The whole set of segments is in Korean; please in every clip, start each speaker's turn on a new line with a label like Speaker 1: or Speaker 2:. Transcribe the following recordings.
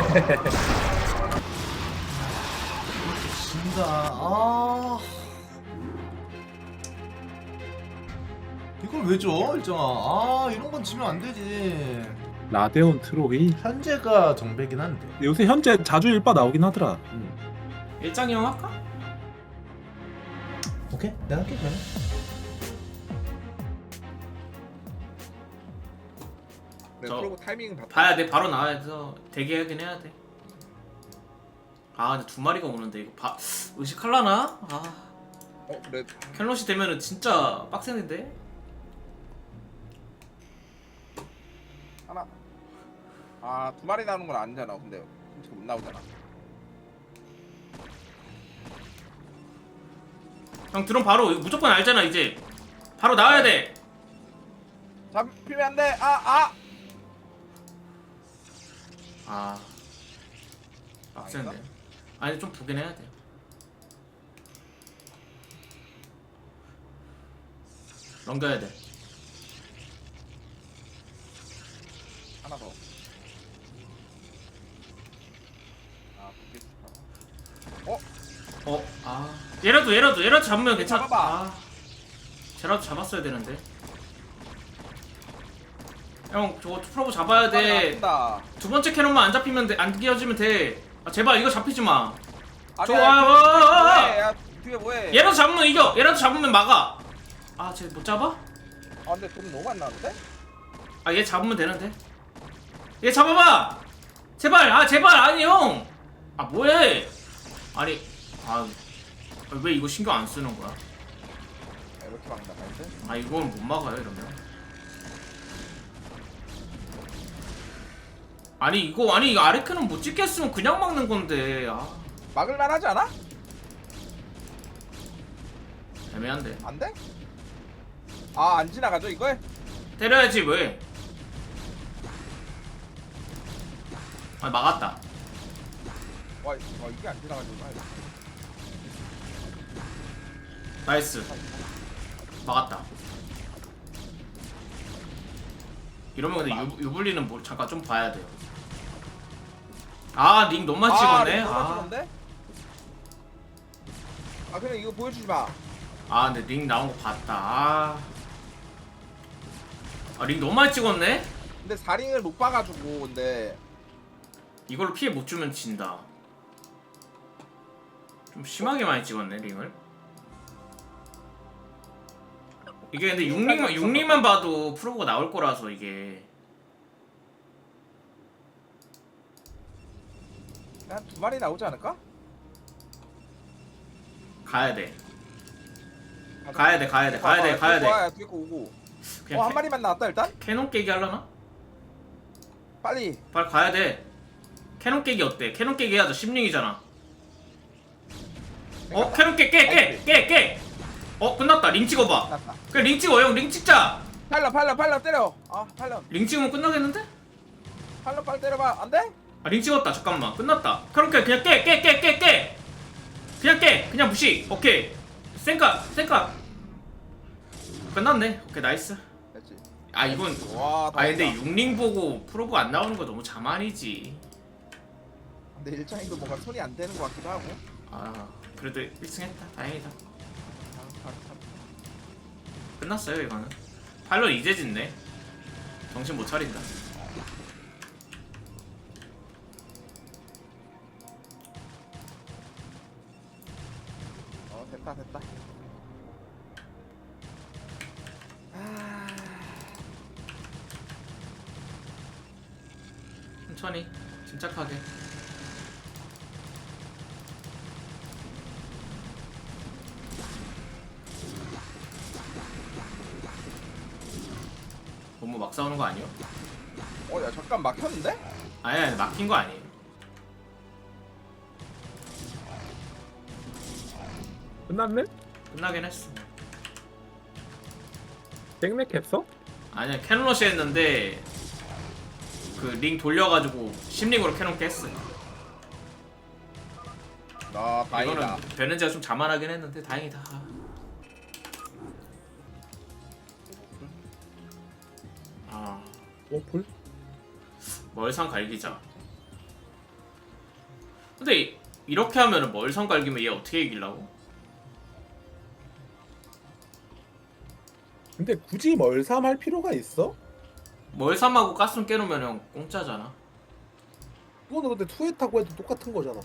Speaker 1: 진다. 아. 이걸 왜 줘, 일정아? 아, 이런 건 지면 안 되지.
Speaker 2: 라데온 트로이.
Speaker 1: 현재가 정배긴 한데.
Speaker 2: 요새 현재 자주 일바 나오긴 하더라.
Speaker 3: 일장이 형 할까?
Speaker 1: 오케이, 내가 할게 그러면.
Speaker 4: 네,
Speaker 3: 저-
Speaker 4: 그러고 타이밍
Speaker 3: 봐야 돼. 바로 나와서 대기하긴 해야 돼. 아 근데 두 마리가 오는데 이거 의식할라나? 아
Speaker 4: 그래.
Speaker 3: 켈롯이 되면은 진짜 빡세는데?
Speaker 4: 하나. 아, 두 마리 나오는 건 아니잖아. 근데 솔직히 못 나오잖아.
Speaker 3: 형 드론 바로 이거 무조건 알잖아 이제. 바로 나와야 돼.
Speaker 4: 잡히면 안 돼. 아.
Speaker 3: 아 빡센데. 아니 좀 보긴 해야 돼. 넘겨야 돼.
Speaker 4: 하나 더. 아, 그게 좋다.
Speaker 3: 얘라도 잡으면 괜찮아.
Speaker 4: 잡아봐.
Speaker 3: 아, 쟤라도 잡았어야 되는데. 형 저거 프로브 잡아야 돼.
Speaker 4: 다
Speaker 3: 두 번째 캐논만 안 잡히면 돼. 안 끼어지면 돼. 아, 제발 이거 잡히지 마.
Speaker 4: 야, 뒤에 뭐해?
Speaker 3: 얘라도 잡으면 이겨. 얘라도 잡으면 막아. 아, 쟤 못 잡아?
Speaker 4: 아, 근데 돈 너무 안 나는데?
Speaker 3: 아, 얘 잡으면 되는데. 얘 잡아봐. 제발. 아, 제발. 아니 형. 아, 뭐해? 아니, 왜 이거 신경 안 쓰는 거야?
Speaker 4: 이렇게 막나 가는데?
Speaker 3: 아, 이건 못 막아요 이러면. 아니 이거 아레크는 못 찍겠으면 그냥 막는 건데. 아,
Speaker 4: 막을만 하지 않아?
Speaker 3: 애매한데.
Speaker 4: 안 돼? 아, 안 지나가죠 이걸?
Speaker 3: 때려야지 왜? 아, 막았다.
Speaker 4: 와, 이게 안 지나가지고.
Speaker 3: 나이스. 막았다. 이러면 근데 유블리는 뭐 잠깐 좀 봐야 돼요. 아, 링 너무 많이 찍었네.
Speaker 4: 아, 그냥 이거 보여주지 마.
Speaker 3: 근데 링 나온 거 봤다. 링 너무 많이 찍었네.
Speaker 4: 근데 4링을 못 봐가지고 근데
Speaker 3: 이걸로 피해 못 주면 진다. 좀 심하게 많이 찍었네 링을. 이게 근데 6링만 봐도 프로브가 나올 거라서 이게.
Speaker 4: 한 두 마리 나오지 않을까?
Speaker 3: 가야 돼.
Speaker 4: 뒤에 거 오고.
Speaker 3: 그냥
Speaker 4: 한 마리만 나왔다 일단.
Speaker 3: 캐논 깨기 하려나?
Speaker 4: 빨리.
Speaker 3: 빨리 가야 돼. 캐논 깨기 어때? 캐논 깨기 해야죠. 10링이잖아. 캐논 깨. 끝났다. 링 찍어봐.
Speaker 4: 났다.
Speaker 3: 그래 링 찍어 형. 링 찍자.
Speaker 4: 팔려 때려. 아, 팔려.
Speaker 3: 링 찍으면 끝나겠는데?
Speaker 4: 빨리 때려봐. 안 돼?
Speaker 3: 링 찍었다. 잠깐만. 끝났다. 그럼 그냥 깨. 그냥 무시. 오케이. 센카. 끝났네. 오케이 나이스.
Speaker 4: 됐지.
Speaker 3: 이건
Speaker 4: 와,
Speaker 3: 근데 6링 보고 프로브 안 나오는 거 너무 자만이지.
Speaker 4: 근데 일장이도 뭔가 손이 안 되는 것 같기도 하고.
Speaker 3: 그래도 1승 했다. 다행이다. 끝났어요 이거는. 팔로 이제 짓네. 정신 못 차린다.
Speaker 4: 됐다.
Speaker 3: 천천히 침착하게. 너무 막 싸우는 거 아니야?
Speaker 4: 야, 잠깐 막혔는데?
Speaker 3: 아니 막힌 거 아니에요.
Speaker 2: 끝났네?
Speaker 3: 끝나긴 했어.
Speaker 2: 땡맥했어?
Speaker 3: 아니야 캐논러시 했는데 그 링 돌려가지고 10링으로 캐논 깼어.
Speaker 4: 다행이다.
Speaker 3: 이거는 베렌즈가 좀 자만하긴 했는데 다행이다.
Speaker 2: 오플?
Speaker 3: 멀상 갈기자. 근데 이렇게 하면은 멀선 갈기면 얘 어떻게 이기려고?
Speaker 2: 근데 굳이 멀삼 할 필요가 있어?
Speaker 3: 멀삼하고 가스럼 깨놓으면 형 공짜잖아.
Speaker 2: 그거는 근데 투에 타고 해도 똑같은 거잖아.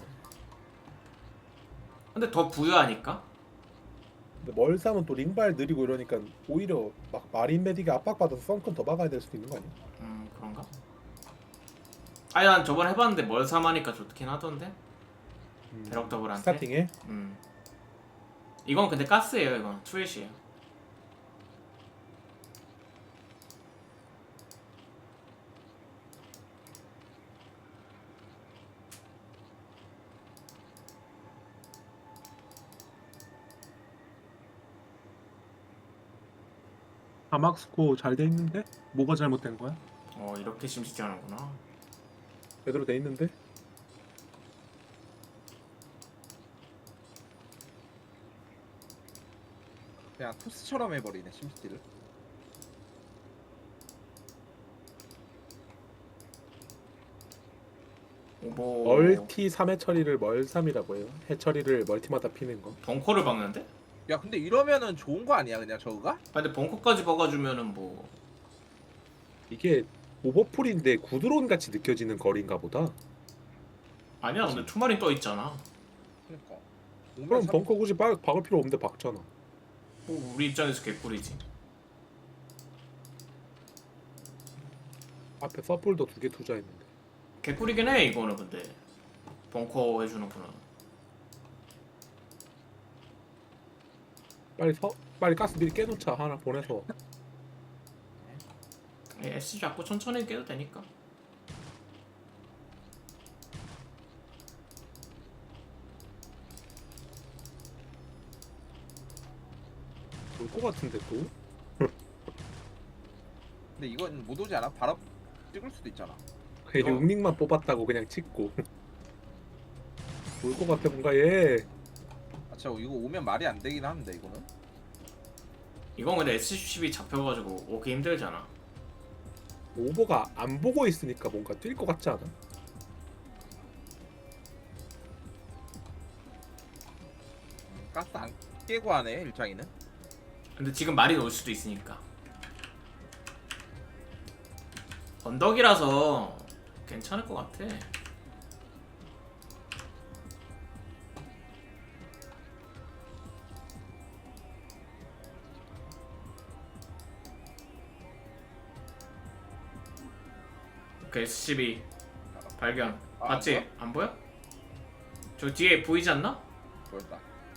Speaker 3: 근데 더 부유하니까?
Speaker 2: 근데 멀삼은 또 링발 느리고 이러니까 오히려 막 마린 메딕이 압박받아서 썬큰 더 막아야 될 수도 있는 거 아니야?
Speaker 3: 그런가? 아니 난 저번에 해봤는데 멀삼 하니까 좋긴 하던데? 배럭 더블한테?
Speaker 2: 스타팅에?
Speaker 3: 이건 근데 가스예요. 이건 투엣이에요.
Speaker 2: 아막스코 잘 돼 있는데? 뭐가 잘못된 거야?
Speaker 3: 이렇게 심시티 하는구나.
Speaker 2: 제대로 돼 있는데?
Speaker 4: 그냥 토스처럼 해버리네 심시티를.
Speaker 3: 뭐
Speaker 2: 멀티 3회 처리를 멀3이라고 해요. 해 처리를 멀티마다 피는 거.
Speaker 3: 벙커를 박는데?
Speaker 4: 야 근데 이러면은 좋은 거 아니야 그냥 저거가?
Speaker 3: 근데 벙커까지 박아주면은 뭐
Speaker 2: 이게 오버풀인데 구드론 같이 느껴지는 거리인가 보다.
Speaker 3: 아니야. 근데 투마린 떠 있잖아.
Speaker 4: 그러니까.
Speaker 2: 그럼 벙커 굳이 박을 필요 없는데 박잖아.
Speaker 3: 뭐 우리 입장에서 개꿀이지.
Speaker 2: 앞에 서플도 2개 투자했는데.
Speaker 3: 개꿀이긴 해 이거는. 근데 벙커 해주는구나.
Speaker 2: 빨리 가스 미리 깨놓자. 하나 보내서.
Speaker 3: S 잡고 천천히 깨도 되니까.
Speaker 2: 올 것 같은데 또?
Speaker 4: 근데 이건 못 오지 않아? 바로 찍을 수도 있잖아.
Speaker 2: 그냥
Speaker 3: 어.
Speaker 2: 6링만 뽑았다고 그냥 찍고. 올 것 같아 뭔가 얘.
Speaker 4: 아 진짜 이거 오면 말이 안 되긴 하는데 이거는.
Speaker 3: 이건 근데 S10이 잡혀가지고 오기 힘들잖아.
Speaker 2: 오버가 안 보고 있으니까 뭔가 뛸 것 같지 않아?
Speaker 4: 가스 안 깨고 하네 일장이는.
Speaker 3: 근데 지금 말이 올 수도 있으니까. 언덕이라서 괜찮을 것 같아. 오케이, SCB 발견.
Speaker 4: 아,
Speaker 3: 봤지?
Speaker 4: 안
Speaker 3: 안 보여? 저 뒤에 보이지 않나?
Speaker 4: 보였다.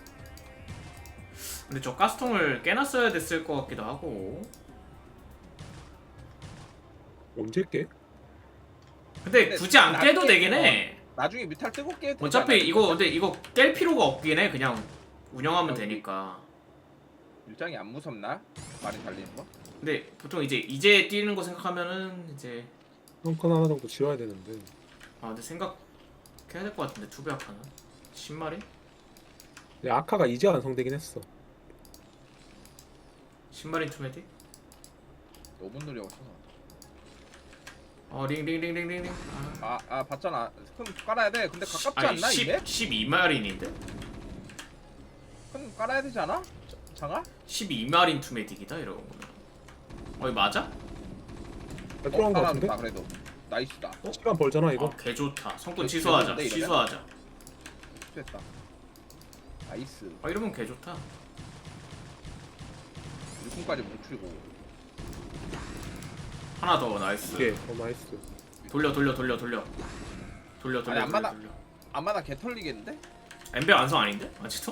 Speaker 3: 근데 저 가스통을 깨놨어야 됐을 것 같기도 하고.
Speaker 2: 언제 깨?
Speaker 3: 근데
Speaker 4: 근데
Speaker 3: 굳이 안
Speaker 4: 나중에
Speaker 3: 깨도 되긴 해.
Speaker 4: 나중에 뮤탈 뜨고 깨.
Speaker 3: 어차피 이거 근데 이거 깰 필요가 없긴 해. 그냥 운영하면 되니까.
Speaker 4: 일장이 안 무섭나? 많이 달리는 거?
Speaker 3: 근데 보통 이제 뛰는 거 생각하면은 이제
Speaker 2: 덩컨 하나 정도 지어야 되는데.
Speaker 3: 근데 생각해야 될 것 같은데 투배 아카는 10마리?
Speaker 2: 근데 아카가 이제 완성되긴 했어.
Speaker 3: 10마리 투메디?
Speaker 4: 너무 느려서.
Speaker 3: 링링링링링링.
Speaker 4: 아 봤잖아. 큰 깔아야 돼. 근데 가깝지 않나 이게?
Speaker 3: 12마린인데?
Speaker 4: 큰 깔아야 되지 않아? 장아?
Speaker 3: 12마린 투메딕이다 이러고. 이거 맞아?
Speaker 2: 들어간 거 같은데?
Speaker 4: 깔아줬다, 그래도 나이스다.
Speaker 2: 시간 벌잖아 이거.
Speaker 3: 개 좋다. 성권
Speaker 4: 개
Speaker 3: 취소하자.
Speaker 4: 좋은데, 이러면?
Speaker 3: 취소하자.
Speaker 4: 됐다. 나이스.
Speaker 3: 이러면 개 좋다.
Speaker 4: 6분까지 뭉치고.
Speaker 3: 하나 더 나이스.
Speaker 2: 이게 나이스.
Speaker 3: 돌려.
Speaker 4: 아니, 안 받아. 안마다 개 털리겠는데?
Speaker 3: 엠베 완성 아닌데? 아직도?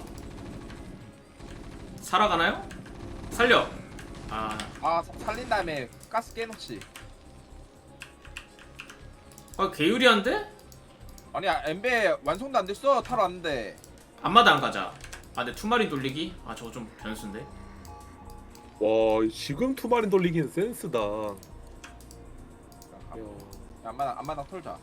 Speaker 3: 살아가나요? 살려.
Speaker 4: 살린 다음에 가스 깨놓지.
Speaker 3: 개유리한데?
Speaker 4: 아니야 엠베 완성도 안 됐어. 타러 왔는데.
Speaker 3: 앞마다 안 가자. 근데 투마린 돌리기? 저거 좀 변수인데?
Speaker 2: 와 지금 투마린 돌리기는 센스다. 야.
Speaker 4: 안마다 털자.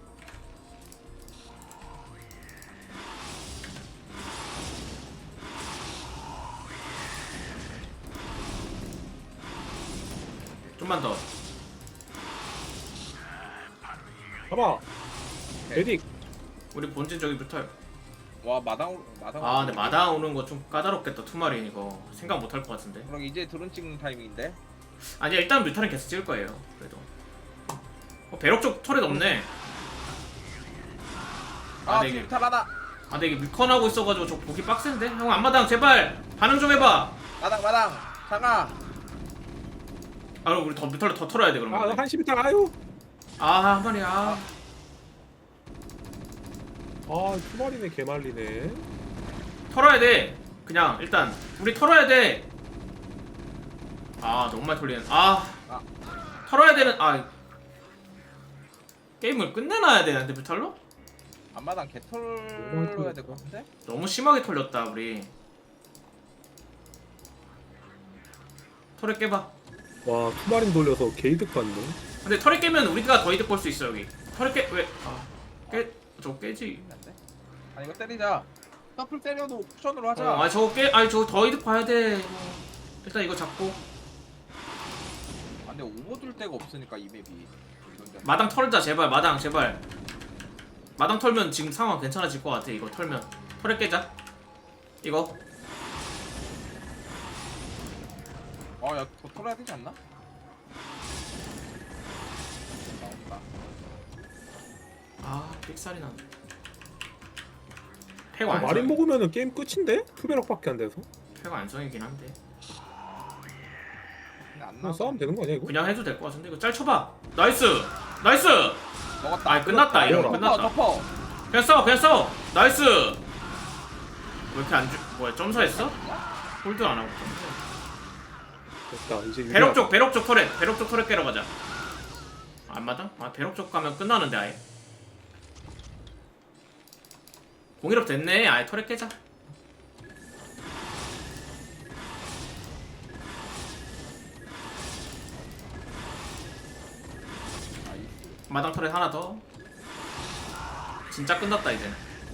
Speaker 3: 좀만 더.
Speaker 2: 봐봐. 에딕
Speaker 3: 우리 본진 저기 뮤탈.
Speaker 4: 와 마당.
Speaker 3: 아 근데 마당 오는 거 좀 까다롭겠다. 투마린 이거 생각 못 할 것 같은데.
Speaker 4: 그럼 이제 드론 찍는 타이밍인데.
Speaker 3: 아니야 일단 뮤탈은 계속 찍을 거예요. 그래도. 배럭 쪽 털에 없네.
Speaker 4: 아
Speaker 3: 네,
Speaker 4: 지금 탈하다.
Speaker 3: 아 근데 이게 밀컨하고 있어가지고 저 보기 빡센데? 형 앞마당 제발 반응 좀 해봐.
Speaker 4: 마당. 장아.
Speaker 3: 아 그럼 우리 더 뮤탈로 더 털어야 돼
Speaker 2: 아
Speaker 3: 그러면.
Speaker 2: 한시 비탈 아유.
Speaker 3: 아 한 마리야.
Speaker 2: 아 투마리네 개말리네.
Speaker 3: 털어야 돼. 그냥 일단 우리 털어야 돼. 아 너무 많이 털리는. 아 털어야 되는. 아 게임을 끝내놔야 되는데 뮤탈로?
Speaker 4: 앞마당 개털어야 될 것 같은데?
Speaker 3: 너무 심하게 털렸다 우리. 털에 깨봐.
Speaker 2: 와 투마린 돌려서 게이득 봤네.
Speaker 3: 근데 털에 깨면 우리가 더 이득 볼 수 있어 여기. 털에 깨 왜? 저거 깨지.
Speaker 4: 안 돼? 아 이거 때리자. 더플 때려도 쿠션으로 하자.
Speaker 3: 아 저거 깨. 아니 저거 더 이득 봐야 돼. 일단 이거 잡고
Speaker 4: 아, 근데 오버 둘 데가 없으니까 이 맵이.
Speaker 3: 마당 털자 제발. 마당 제발. 마당 털면 지금 상황 괜찮아질 것 같아. 이거 털면 털에 깨자. 이거
Speaker 4: 아야 더 털어야 되지 않나? 나온다.
Speaker 3: 아 삑살이 나네. 패고
Speaker 2: 아,
Speaker 3: 안성.
Speaker 2: 마린 먹으면은 게임 끝인데? 투배럭밖에 안 돼서.
Speaker 3: 패고 안성이긴 한데
Speaker 4: 근데 안
Speaker 2: 그냥
Speaker 4: 나와.
Speaker 2: 싸우면 되는 거 아니야 이거?
Speaker 3: 그냥 해도 될 것 같은데 이거 짤 쳐봐. 나이스.
Speaker 4: 먹었다.
Speaker 3: 아 끝났다. 이러면 끝났다.
Speaker 4: 덮어.
Speaker 3: 그냥 싸워. 나이스. 왜 이렇게 안 주? 뭐야 점사했어? 홀드 안 하고.
Speaker 2: 됐다 이제
Speaker 3: 배럭 쪽 터렛 깨러 가자. 안 맞아? 아 배럭 쪽 가면 끝나는데 아예. 공일업 됐네. 아예 터렛 깨자. 마당 터렛 하나 더. 진짜 끝났다 이제.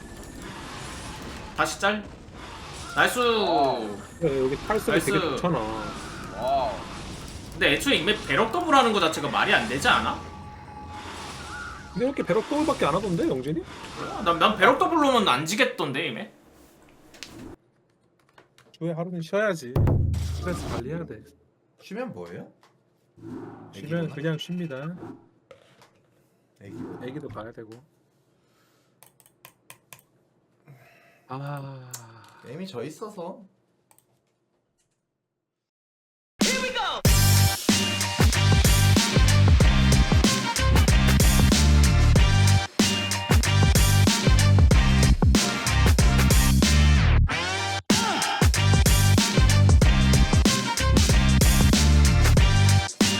Speaker 3: 다시 짤. 나이스.
Speaker 2: 그래, 여기 탈색이
Speaker 3: 나이스.
Speaker 2: 되게 좋잖아.
Speaker 4: 와우.
Speaker 3: 근데 애초에 이맵 배럭 더블 하는 거 자체가 말이 안 되지 않아?
Speaker 2: 근데 이렇게 배럭 더블밖에 안 하던데 영진이?
Speaker 3: 난 배럭 더블로는 안 지겠던데 이맵.
Speaker 2: 주에 하루는 쉬어야지. 스트레스 관리해야 돼.
Speaker 1: 쉬면 뭐예요?
Speaker 2: 쉬면
Speaker 1: 애기구나.
Speaker 2: 그냥 쉽니다.
Speaker 1: 애기구나.
Speaker 2: 애기도 가야 되고. 아.
Speaker 1: 게임이 져 있어서.
Speaker 5: Here we go.